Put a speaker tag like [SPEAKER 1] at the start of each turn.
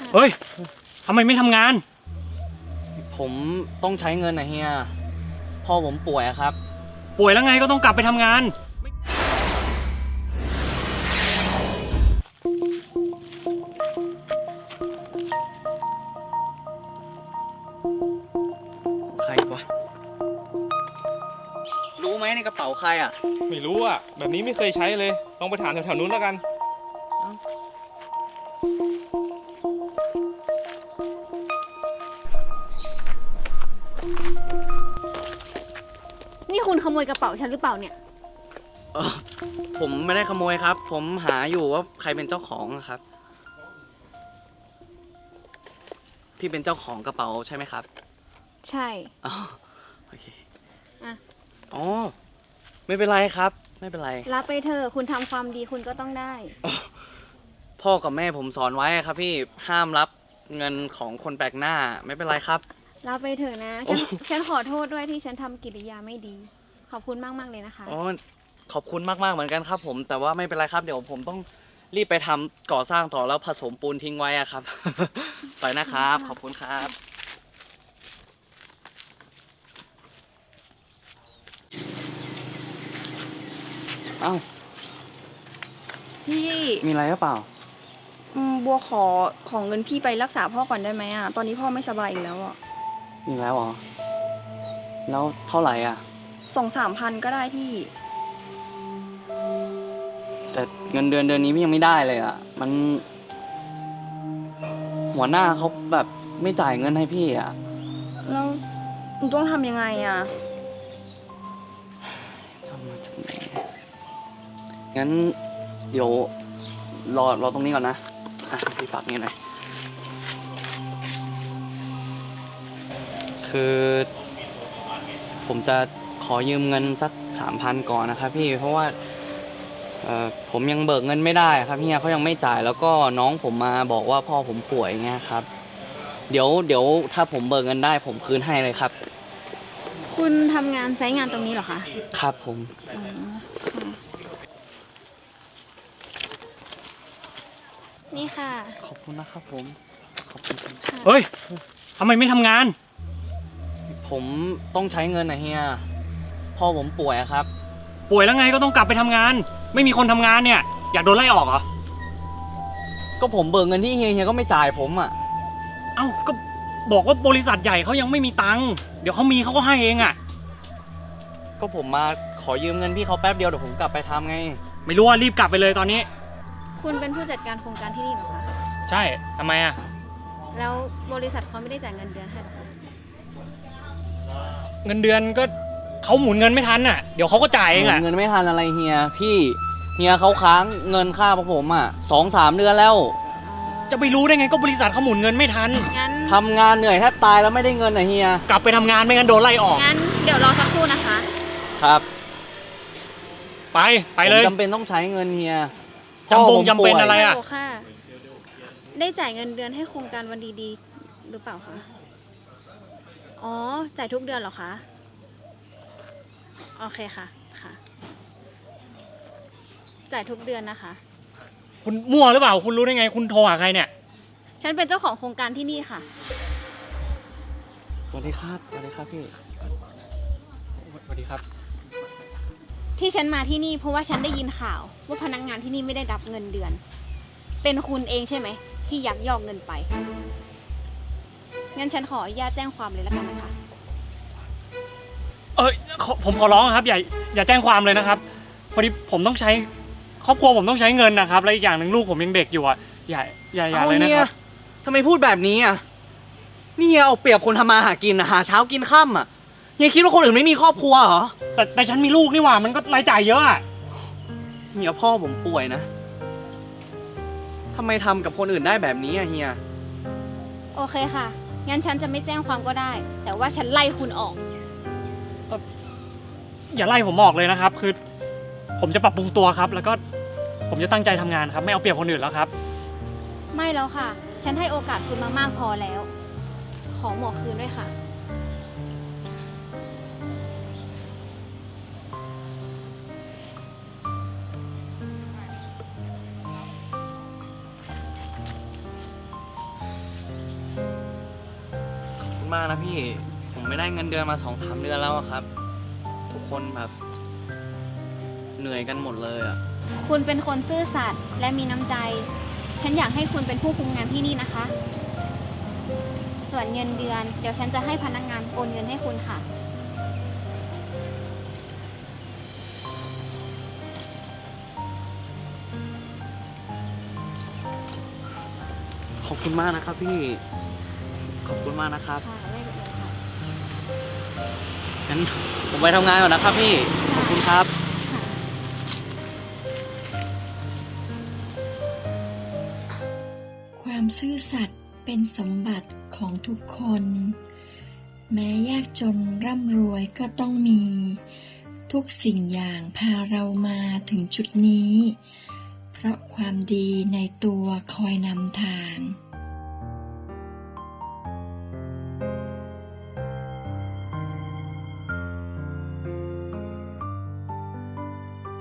[SPEAKER 1] เฮ้ยทำไมไม่ทำงาน
[SPEAKER 2] ผมต้องใช้เงินนะเฮียพ่อผมป่วยครับ
[SPEAKER 1] ป่วยแล้วไงก็ต้องกลับไปทำงาน
[SPEAKER 2] ใครวะรู้ไหมในกระเป๋าใครอ่ะ
[SPEAKER 3] ไม่รู้อ่ะแบบนี้ไม่เคยใช้เลยลองไปถามแถวๆนู้นแล้วกัน
[SPEAKER 4] นี่คุณขโมยกระเป๋าฉันหรือเปล่าเนี่ย
[SPEAKER 2] ผมไม่ได้ขโมยครับผมหาอยู่ว่าใครเป็นเจ้าของครับพี่เป็นเจ้าของกระเป๋าใช่ไหมครับ
[SPEAKER 4] ใช่
[SPEAKER 2] อ๋อโอเค
[SPEAKER 4] อ่ะ
[SPEAKER 2] อ๋อไม่เป็นไรครับไม่เป็นไร
[SPEAKER 4] รับไปเถอะคุณทำความดีคุณก็ต้องได้
[SPEAKER 2] พ่อกับแม่ผมสอนไว้ครับพี่ห้ามรับเงินของคนแปลกหน้าไม่เป็นไรครับ
[SPEAKER 4] รับไปเถอะนะฉันขอโทษด้วยที่ฉันทำกิริยาไม่ดีขอบคุณมากๆเลยนะคะ
[SPEAKER 2] อ๋อขอบคุณมากๆเหมือนกันครับผมแต่ว่าไม่เป็นไรครับเดี๋ยวผมต้องรีบไปทำก่อสร้างต่อแล้วผสมปูนทิ้งไว้อะครับ ไปนะครับขอบคุณครับเอ้า
[SPEAKER 5] พี่
[SPEAKER 2] มีอะไรหรือเปล่า
[SPEAKER 5] บัวของเงินพี่ไปรักษาพ่อก่อนได้ไหมอ่ะตอนนี้พ่อไม่สบายอีกแล้วอ่ะ
[SPEAKER 2] มีแล้วเหรอแล้วเท่าไหร่อ่ะ
[SPEAKER 5] 2-3 พันก็ได้พี่
[SPEAKER 2] แต่เงินเดือนนี้พี่ยังไม่ได้เลยอ่ะมันหัวหน้าเขาแบบไม่จ่ายเงินให้พี่อ่ะ
[SPEAKER 5] แล้วหนูต้องทำยังไงอ่ะ
[SPEAKER 2] จะมาจากไหนงั้นเดี๋ยวรอตรงนี้ก่อนนะพี่ฝากนี่หน่อยคือผมจะขอยืมเงินสัก3,000ก่อนนะครับพี่เพราะว่าผมยังเบิกเงินไม่ได้ครับเฮียเขายังไม่จ่ายแล้วก็น้องผมมาบอกว่าพ่อผมป่วยเงี้ยครับเดี๋ยวถ้าผมเบิกเงินได้ผมคืนให้เลยครับ
[SPEAKER 4] คุณทำงานไซต์งานตรงนี้เหรอคะ
[SPEAKER 2] ครับผม
[SPEAKER 4] นี่ค่ะ
[SPEAKER 2] ขอบคุณนะครับผมขอบคุณ
[SPEAKER 1] เฮ้ยทำไมไม่ทำงาน
[SPEAKER 2] ผมต้องใช้เงินนะเฮียพ่อผมป่วยครับ
[SPEAKER 1] ป่วยแล้วไงก็ต้องกลับไปทำงานไม่มีคนทำงานเนี่ยอยากโดนไล่ออกเหรอ
[SPEAKER 2] ก็ผมเบิกเงินที่เฮียก็ไม่จ่ายผมอ่ะ
[SPEAKER 1] เอ้าก็บอกว่าบริษัทใหญ่เขายังไม่มีตังค์เดี๋ยวเขามีเขาก็ให้เองอ่ะ
[SPEAKER 2] ก็ผมมาขอยืมเงินพี่เขาแป๊บเดียวเดี๋ยวผมกลับไปทำไง
[SPEAKER 1] ไม่รู้ว่ารีบกลับไปเลยตอนนี้
[SPEAKER 4] คุณเป็นผู้จัดการโครงการที่นี่เหรอคะ
[SPEAKER 1] ใช่ทำไมอ่ะ
[SPEAKER 4] แล้วบริษัทเขาไม่ได้จ่ายเงินเดือนให้หรอคะ
[SPEAKER 1] เงินเดือนก็เขาหมุนเงินไม่ทันอ่ะเดี๋ยวเขาก็จ่ายเองแหละ
[SPEAKER 2] เงินไม่ทันอะไรเฮียพี่เฮียเขาค้างเงินค่าพวกผมอ่ะ2-3 เดือนแล้ว
[SPEAKER 1] จะไปรู้ได้ไงก็บริษัทเขาหมุนเงินไม่ทัน
[SPEAKER 4] งั้น
[SPEAKER 2] ทำงานเหนื่อยแทบตายแล้วไม่ได้เงินอ่ะเฮีย
[SPEAKER 1] กลับไปทำงานไม่งั้นโดนไล่ออก
[SPEAKER 4] งั้นเดี๋ยวรอสักครู่นะคะ
[SPEAKER 2] ครับ
[SPEAKER 1] ไปเลย
[SPEAKER 2] จำเป็นต้องใช้เงินเฮีย
[SPEAKER 1] จำเป็นอะไรอ่ะ
[SPEAKER 4] ได้จ่ายเงินเดือนให้โครงการวันดีๆหรือเปล่าคะอ๋อจ่ายทุกเดือนเหรอคะโอเคค่ะจ่ายทุกเดือนนะคะ
[SPEAKER 1] คุณมั่วหรือเปล่าคุณรู้ได้ไงคุณโทรหาใครเนี่ย
[SPEAKER 4] ฉันเป็นเจ้าของโครงการที่นี่ค่ะ
[SPEAKER 2] สวัสดีครับพี่
[SPEAKER 1] สวัสดีครับ
[SPEAKER 4] ที่ฉันมาที่นี่เพราะว่าฉันได้ยินข่าวว่าพนักงานที่นี่ไม่ได้รับเงินเดือนเป็นคุณเองใช่ไหมที่ยักยอกเงินไปงั้นฉันขออนุญาตแจ้งความเลยแล้วกันนะคะ
[SPEAKER 1] ผมขอร้องครับอย่าแจ้งความเลยนะครับพอดีผมต้องใช้ครอบครัวผมต้องใช้เงินนะครับและอีกอย่างหนึ่งลูกผมยังเด็กอยู่อ่ะอย่าเลยนะครับ
[SPEAKER 2] ทำไมพูดแบบนี้อ่ะนี่เอาเปรียบคนทำมาหากินหาเช้ากินค่ำอ่ะเฮียคิดว่าคนอื่นไม่มีครอบครัวเหรอ
[SPEAKER 1] แต่ฉันมีลูกนี่หว่ามันก็รายจ่ายเยอะอ่ะ
[SPEAKER 2] เฮียพ่อผมป่วยนะทำไมทำกับคนอื่นได้แบบนี้อ่ะเฮีย
[SPEAKER 4] โอเคค่ะงั้นฉันจะไม่แจ้งความก็ได้แต่ว่าฉันไล่คุณออก
[SPEAKER 1] อย่าไล่ผมออกเลยนะครับคือผมจะปรับปรุงตัวครับแล้วก็ผมจะตั้งใจทำงานครับไม่เอาเปรียบคนอื่นแล้วครับ
[SPEAKER 4] ไม่แล้วค่ะฉันให้โอกาสคุณมามากพอแล้วขอหมวกคืนด้วยค่ะ
[SPEAKER 2] มากนะพี่ ผมไม่ได้เงินเดือนมา2-3 เดือนแล้วอะครับ ทุกคนแบบเหนื่อยกันหมดเลยอะ
[SPEAKER 4] คุณเป็นคนซื่อสัตย์และมีน้ำใจ ฉันอยากให้คุณเป็นผู้คุมงานที่นี่นะคะ ส่วนเงินเดือน เดี๋ยวฉันจะให้พนักงานโอนเงินให้คุณค่ะ
[SPEAKER 2] ขอบคุณมากนะครับพี่ ขอบคุณมากนะครับ
[SPEAKER 4] ค่ะไม่เป็นไรค่ะ
[SPEAKER 2] งั้นผมไปทำงานก่อนนะครับพี่ ขอบคุณครับ
[SPEAKER 4] ค่ะ
[SPEAKER 6] ความซื่อสัตย์เป็นสมบัติของทุกคน แม้ยากจนร่ำรวยก็ต้องมี ทุกสิ่งอย่างพาเรามาถึงจุดนี้ เพราะความดีในตัวคอยนำทาง